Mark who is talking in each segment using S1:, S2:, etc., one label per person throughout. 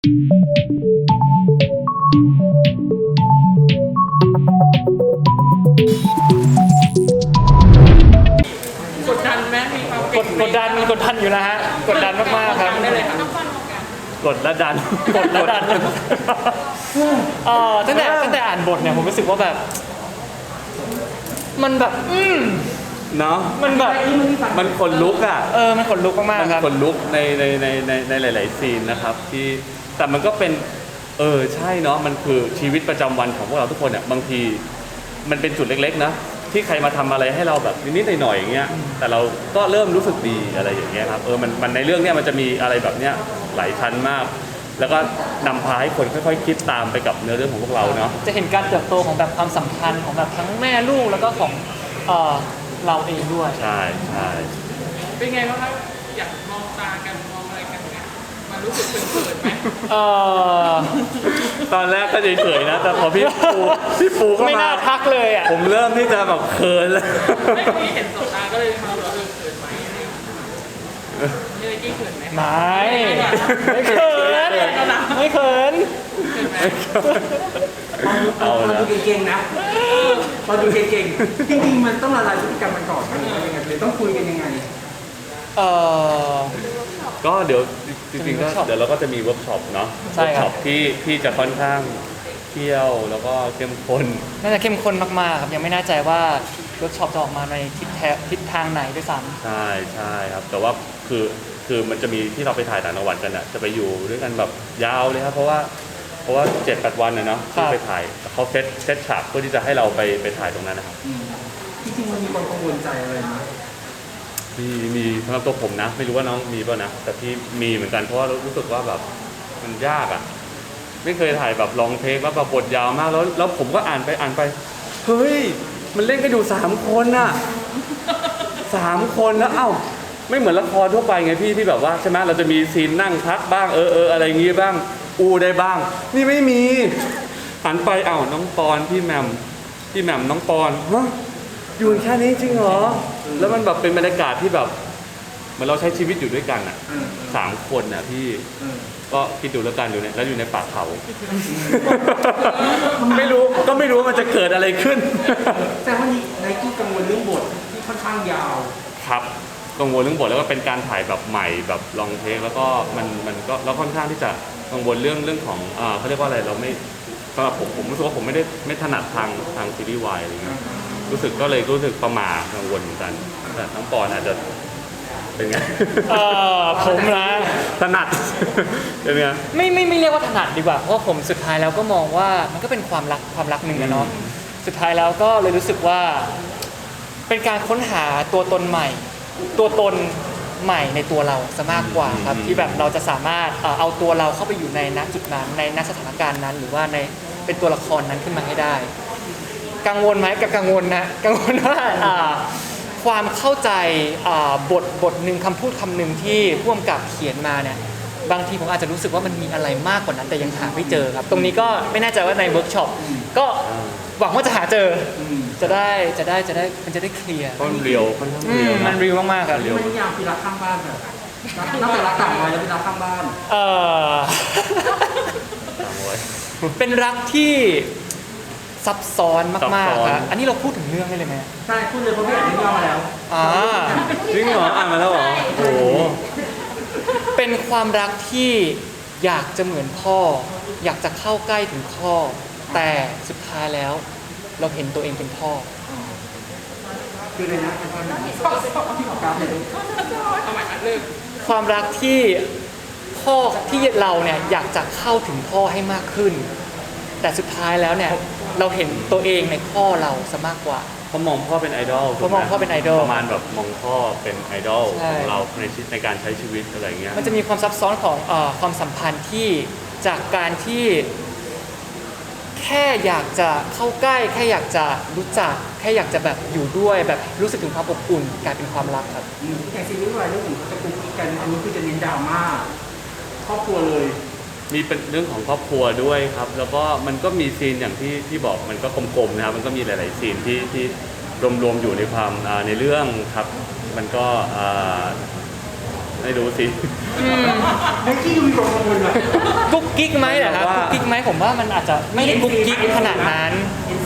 S1: กดดันไหมมีความ
S2: กดดันมีกดดันอยู่นะฮะกดดันมากๆครับ
S1: ได้เลยครับ
S3: กดและดัน
S2: กดและดันตั้งแต่อ่านบทเนี่ยผมรู้สึกว่าแบบมันแบบ
S3: เนาะ
S2: มันแบบ
S3: มันขนลุกอ่ะ
S2: มันขนลุกมากๆครับ
S3: มันขนลุกในหลายๆซีนนะครับที่แต่มันก็เป็นใช่เนาะมันคือชีวิตประจำวันของพวกเราทุกคนเนี่ยบางทีมันเป็นจุดเล็กๆนะที่ใครมาทำอะไรให้เราแบบนิดๆหน่อยๆอย่างเงี้ยแต่เราก็เริ่มรู้สึกดีอะไรอย่างเงี้ยครับมันในเรื่องเนี้ยมันจะมีอะไรแบบเนี้ยหลายชั้นมาก แล้วก็นำพาให้คนค่อยๆคิดตามไปกับเนื้อเรื่องของพวกเราเนาะ
S2: จะเห็นการเติบโตของแบบความสัมพันธ์ของแบบทั้งแม่ลูกแล้วก็ของเราเองด้วย
S3: ใช่
S1: เป็นไงบ้างครับอยากมองตากันมองอะไรกันเนี่ยมันรู้สึกเขินๆไหม
S3: ตอนแรกก็เฉยๆนะแต่พอพี่ปูก็
S2: ไม่น่าทักเลยอ่ะ
S3: ผมเริ่มที่จะแบบเขินเลย
S1: ไม่ที่เห็นสบตาก็เลยมาบอกเขินไหมอะไรกี้เขินไหม
S2: ไม่เขิน
S3: เอาละ
S4: ดูเก่งๆนะพอดูเก่งๆจริงๆมันต้องละลายพฤติกรรมมันก่อนหรือว่ายังไงหรือต้องคุยกันยังไง
S3: ก็เดี๋ยวจริงๆก็เดี๋ยวเราก็จะมีเวิร์กช็อปเนาะเวิร์กช็อปที่จะค่อนข้างเที่ยวแล้วก็เข้มข้น
S2: น่าจะเข้มข้นมากๆครับยังไม่แน่ใจว่าเวิร์กช็อปจะออกมาในทิศทางไหนด้วยซ้ำ
S3: ใช่ครับแต่ว่าคือมันจะมีที่เราไปถ่ายต่างจังหวัดกันอ่ะจะไปอยู่ด้วยกันแบบยาวเลยครับเพราะว่า7-8 วันเนาะที่ไปถ่ายเขาเซตฉากเพื่อที่จะให้เราไปถ่ายตรงนั้นนะครับ
S4: จริงๆมันมีความกังวลใจอะไรไหม
S3: มีสำหรับตัวผมนะไม่รู้ว่าน้องมีป่ะนะแต่พี่มีเหมือนกันเพราะว่ารู้สึกว่าแบบมันยากอ่ะไม่เคยถ่ายแบบลองเทคว่าแบบบทยาวมากแล้วผมก็อ่านไปเฮ้ยมันเล่นกันอยู่3 คนน่ะ3 คนแล้วไม่เหมือนละครทั่วไปไงพี่ที่แบบว่าใช่ไหมเราจะมีซีนนั่งพักบ้างอะไรอย่างงี้บ้างได้บ้างนี่ไม่มีหันไปน้องปอนพี่แหม่มน้องปอนฮะอยู่แค่นี้จริงเหรอแล้วมันแบบเป็นบรรยากาศที่แบบเหมือนเราใช้ชีวิตอยู่ด้วยกันอ่ะ3 คนน่ะพี่ก็คิดดูแล้วกันอยู่เนี่ยแล้วอยู่ในป่าเขาไม่รู้ว่ามันจะเกิดอะไรขึ้น
S4: แต่วันนี้ไนกี้กังวลเรื่องบทที่ค่อนข้างยาว
S3: ครับกังวลเรื่องบทแล้วก็เป็นการถ่ายแบบใหม่แบบลองเทคแล้วก็มันก็แล้วค่อนข้างที่จะกังวลเรื่องของเขาเรียกว่าอะไรเราไม่สำหรับผมรู้สึกว่าผมไม่ถนัดทางซีรีส์วายอะไรเงี้ยรู้สึกประหม่ากังวลเหมือนกันแต่ทั้งปอนอาจจะเป็นไง
S2: ผมนะ
S3: ถนัดเป็นไง
S2: ไม่เรียกว่าถนัดดีกว่าเพราะผมสุดท้ายแล้วก็มองว่ามันก็เป็นความรักหนึ่งนะเนาะสุดท้ายแล้วก็เลยรู้สึกว่าเป็นการค้นหาตัวตนใหม่ในตัวเราซะมากกว่าครับที่แบบเราจะสามารถเอาตัวเราเข้าไปอยู่ในณจุดนั้นในณสถานการณ์นั้นหรือว่าในเป็นตัวละครนั้นขึ้นมาให้ได้กังวลไหมกับกังวลนะกังวลว่าความเข้าใจบทหนึ่งคำพูดคำหนึ่งที่ผู้กำกับเขียนมาเนี่ยบางทีผมอาจจะรู้สึกว่ามันมีอะไรมากกว่านั้นแต่ยังหาไม่เจอครับตรงนี้ก็ไม่แน่ใจว่าในเวิร์กช็อปก็หวังว่าจะหาเจอจะได้มันจะได้เคลียร์
S3: มันเรียว
S2: มันเรียวมากๆครับ
S4: เรียวมันยาวคือรักข้างบ้านแบบนอกจากรักต่างวัยแล้วเป็นรักข้างบ้าน
S2: เป็นรักที่ซับซ้อนมากๆครับอันนี้เราพูดถึงเรื่องได้เลยไหม
S4: ใช่พูดเลยเพราะพี่อ่านเรื่องย่อมาแล้ว
S3: จริงเหรออ่านมาแล้วเหรอโอ้
S2: เป็นความรักที่อยากจะเหมือนพ่ออยากจะเข้าใกล้ถึงพ่อแต่สุดท้ายแล้วเราเห็นตัวเองเป็นพ่อ
S4: คือเลยนะที่ขอกราฟเลย
S2: ความรักที่พ่อที่เราเนี่ยอยากจะเข้าถึงพ่อให้มากขึ้นแต่สุดท้ายแล้วเนี่ยเราเห็นตัวเองในพ่อเราซะมากกว่า
S3: เขามองพ่อเป็นไอดอล
S2: เขามองพ่อเป็นไอดอล
S3: ประมาณแบบมองพ่อเป็นไอดอลของเราในการใช้ชีวิตอะไรเงี้ย
S2: มันจะมีความซับซ้อนของความสัมพันธ์ที่จากการที่แค่อยากจะเข้าใกล้แค่อยากจะรู้จักแค่อยากจะแบบอยู่ด้วยแบบรู้สึกถึงความอบอุ่นกลายเป็นความรักครับ
S4: อย่างซีรีส์วายเรื่องอื่นเขาจะคุยกันอันนี้คือจะเน้นดราม่าครอบครัวเลย
S3: มีเป็นเรื่องของครอบครัวด้วยครับแล้วก็มันก็มีซีนอย่างที่บอกมันก็กลมๆนะครับมันก็มีหลายๆซีนที่รวมอยู่ในความในเรื่องครับมันก็ไม่รู้สิ
S4: ไอ้ที่ดูมีความกังวลนะ
S2: กุ๊กกิ๊กไหมเหรอครับ
S3: ว่า
S2: กุ๊กกิ๊กไหมผมว่ามันอาจจะไม่ได้กุ๊กกิ๊กขนาดนั้น
S4: NC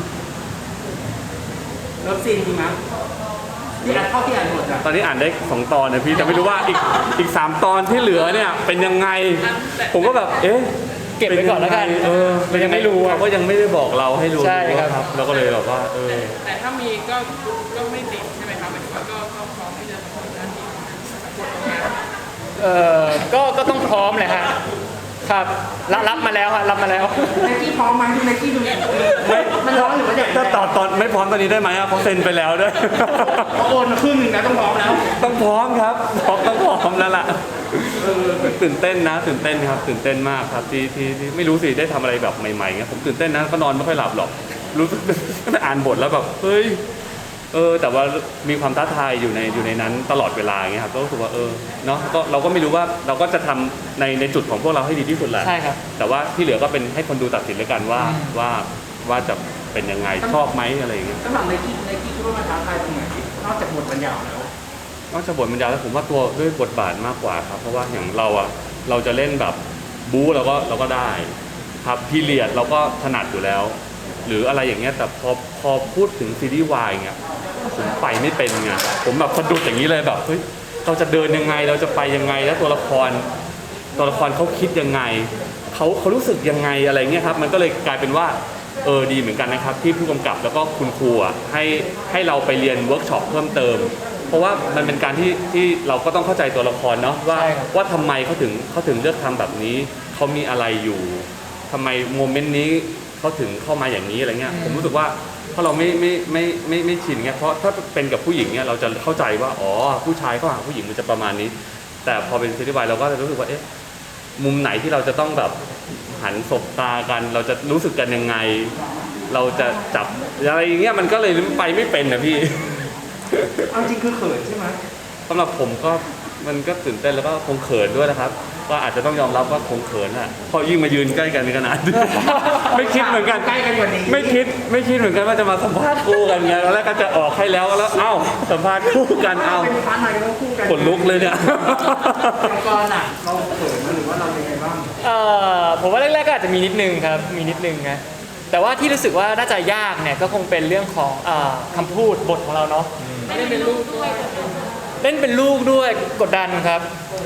S4: เลิฟซีนจริงมั้ยที่อ่านเท่าที่อ่านหมดอ่ะ
S3: ตอนนี้อ่านได้2 ตอนนะพี่แต่ไม่รู้ว่าอีก3 ตอนที่เหลือเนี่ยเป็นยังไง ผมก็แบบเอ๊ะ
S2: เก็บไว้ก่อนแล้วกัน
S3: เรายังไม่รู้เขาก็ยังไม่ได้บอกเราให้รู้
S2: ใช่ครับ
S3: เราก็เลยแบบว่า
S1: แต่ถ้ามีก็ไม่ติดใช่ไหมครับหมายถึงว่าก็พร้อมที่จะทำหน้าที่บทงาน
S2: ก็ต้องพร้อมเลยฮะครับรับมาแล้วฮะรับมาแล้ว
S4: ไนกี้พร้อมไหมดูไนกี้ดูมันร้อนหรือว่าเด็ก
S3: ถ้าตอนไม่พร้อมตอนนี้ได้ไหมอะเพราะเซ็นไปแล้วด้วย
S4: เขาโอนมาครึ่งหนึ่งนะต้องพร้อมแล้ว
S3: ต้องพร้อมครับต้องพร้อมแล้วล่ะตื่นเต้นนะตื่นเต้นครับตื่นเต้นมากครับที่ไม่รู้สิได้ทำอะไรแบบใหม่ๆเงี้ยผมตื่นเต้นนะก็นอนไม่ค่อยหลับหรอกรู้สึกไม่อ่านบทแล้วแบบเฮ้ยแต่ว่ามีความท้าทายอยู่ในนั้นตลอดเวลาอย่างเงี้ยครับก็รู้สึกว่าเนาะก็เราก็ไม่รู้ว่าเราก็จะทำในจุดของพวกเราให้ดีที่สุดแหละ
S2: ใช่ครับ
S3: แต่ว่าที่เหลือก็เป็นให้คนดูตัดสินแล้วกันว่าจะเป็นยังไงชอบไหมอะไรอย่างเงี้ย
S4: สำหรับไนกี้คิดว่ามันท้าทายตรงไหนนอกจากบทบรรยายแล้ว
S3: นอกจากบทบรรยายแล้วผมว่าตัวด้วยบทบาทมากกว่าครับเพราะว่าอย่างเราจะเล่นแบบบู๊เราก็ได้ครับพีเรียดเราก็ถนัดอยู่แล้ว หรืออะไรอย่างเงี้ยแต่พอพูดถึงซีรีส์วายเงี้ยผมไปไม่เป็นไงผมแบบสะดุดอย่างนี้เลยแบบเฮ้ยเราจะเดินยังไงเราจะไปยังไงแล้วตัวละครเขาคิดยังไงเขารู้สึกยังไงอะไรเงี้ยครับมันก็เลยกลายเป็นว่าดีเหมือนกันนะครับที่ผู้กำกับแล้วก็คุณครูให้เราไปเรียนเวิร์กช็อปเพิ่มเติมเพราะว่ามันเป็นการที่เราก็ต้องเข้าใจตัวละครเนาะว่าทำไมเขาถึงเลือกทำแบบนี้เขามีอะไรอยู่ทำไมโมเมนต์นี้เขาถึงเข้ามาอย่างนี้อะไรเงี้ยผมรู้สึกว่าเพราะเราไม่ชินเงี้ยเพราะถ้าเป็นกับผู้หญิงเนี่ยเราจะเข้าใจว่าอ๋อผู้ชายเขาหาผู้หญิงมันจะประมาณนี้แต่พอเป็นซีรีส์วายเราก็จะรู้สึกว่าเอ๊ะมุมไหนที่เราจะต้องแบบหันสบตากันเราจะรู้สึกกันยังไงเราจะจับอะไรอย่างเงี้ยมันก็เลยไปไม่เป็นนะพี่
S4: เอาจริงคือเขินใช่ไหม
S3: สำหรับผมก็มันก็ตื่นเต้นแล้วก็คงเขินด้วยนะครับก็อาจจะต้องยอมรับว่าคงเขินอ่ะพอยิ่งมายืนใกล้กันในขนาด ไม่คิดเหมือนกัน
S4: ใกล้กันกว่านี้
S3: ไม่คิดเหมือนกันว่าจะมาสัมภาษณ์คู่กันไงตอนแรกก็จะออกให้แล้วเอ้าสัมภาษณ์คู่กันเอ้า
S4: เป็นพาร์ทไหนก็ต้องคู่กัน
S3: ขนลุกเลยเนี่ย
S4: อย่างก่อนอ่ะเราเขินหรือว่าเราเป็นไงบ้าง
S2: ผมว่าแรกๆก็อาจจะมีนิดนึงครับมีนิดนึงนะแต่ว่าที่รู้สึกว่าน่าจะยากเนี่ยก็คงเป็นเรื่องของคำพูดบทของเราเนาะ
S1: ไม่ได้เป็นลูกด้วย
S2: เล่นเป็นลูกด้วยกดดันครับ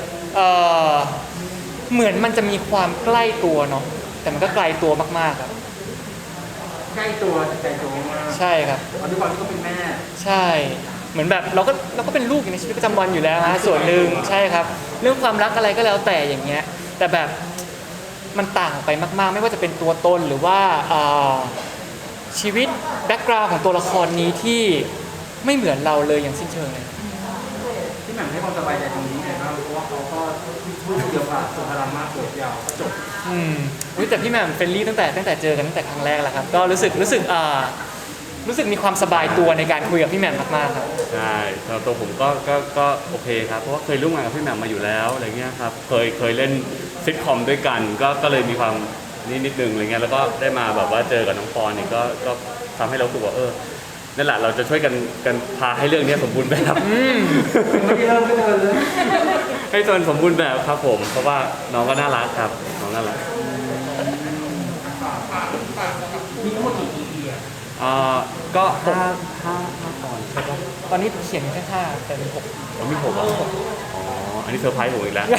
S2: เหมือนมันจะมีความใกล้ตัวเนาะแต่มันก็ไกลตัวมากๆครับ
S4: ใกล้ตัวแต่ไกลตัวมาก
S2: ใช่ครับ
S4: เพราะด้วยความที่เขาเป็นแม่
S2: ใช่เหมือนแบบเราก็เป็นลูกอยู่ในชีวิตประจำวันอยู่แล้วฮะส่วนหนึ่งใช่ครับเรื่องความรักอะไรก็แล้วแต่อย่างเงี้ยแต่แบบมันต่างไปมากๆ ไม่ว่าจะเป็นตัวตนหรือว่าชีวิตแบ็กกราวด์ของตัวละครนี้ที่ไม่เหมือนเราเลยอย่างสิ้นเชิงเลย
S4: ที่แหม่มให้ความสบายใจตรงนี้ไงบ้างเพราะว่าเขาก็พูดเดียวกับสุภาพมากเกิดยาวก็จบ
S2: อุ๊ยแต่พี่แหม่มเฟรนลี่ตั้งแต่เจอกันตั้งแต่ครั้งแรกแล้วครับก็รู้สึกมีความสบายตัวในการคุยกับพี่แหม่มมากๆครับ
S3: ใช่สำหรับตัวผมก็โอเคครับเพราะว่าเคยร่วมงานกับพี่แหม่มมาอยู่แล้วอะไรเงี้ยครับเคยเล่นซิทคอมด้วยกันก็เลยมีความนิดนึงอะไรเงี้ยแล้วก็ได้มาแบบว่าเจอกับน้องปอนนี่ก็ทำให้เรารู้สึกว่านั่นแหละเราจะช่วยกันพาให้เรื่องนี้สมบูรณ์แบบ
S4: ไม่ได้เริ่มไม่เดินเลย
S3: ให้ตนสมบูรณ์แบบครับผมเพราะว่าน้องก็น่ารักครับน้องน่ารัก
S4: มีทั้งหมดกี่ EP อ่ะ
S3: ก็ห้าตอนใช่ปะ
S2: ตอนนี้เขียนแค่5แต่เป็น6
S3: ผมมี6อ๋ออันนี้เซอร์ไพรส์ผมอีกแล้ว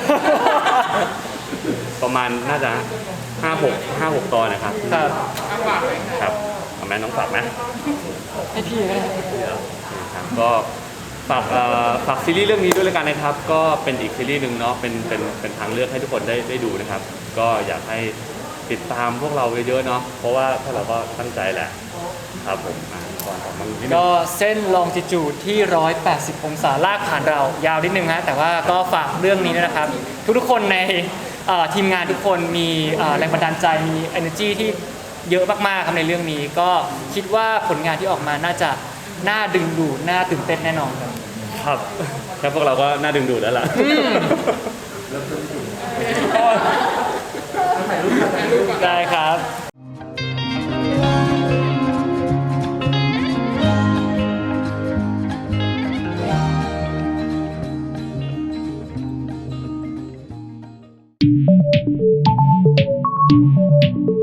S3: ประมาณน่าจะ5-6 ตอนนะครับ
S2: ครับ
S1: ฝากเลยค่ะ
S3: ครับเอาแม่น้องฝากไหม
S2: ให้พี่ก็ได้
S3: ครับก็ฝากซีรีส์เรื่องนี้ด้วยแล้วกันนะครับก็เป็นอีกซีรีส์หนึ่งเนาะเป็นทางเลือกให้ทุกคนได้ดูนะครับก็อยากให้ติดตามพวกเราเยอะๆเนาะเพราะว่าถ้าเราก็ตั้งใจแหละครับผมก่อนของมันนิดนึง
S2: ก็เส้นลองจิจูดที่180องศาลากผ่านเรายาวนิดนึงฮะแต่ว่าก็ฝากเรื่องนี้ด้วยนะครับทุกๆคนในทีมงานทุกคนมีแรงบันดาลใจมี energy ที่เยอะมากๆครับในเรื่องนี้ก็คิดว่าผลงานที่ออกมาน่าจะน่าดึงดูดน่าตื่นเต้นแน่นอนครับ
S3: ครับแค่พวกเราก็น่าดึงดูดแล้วล่ะ
S4: ถ่ายรูปกัน
S2: ได้ครับ
S5: Thank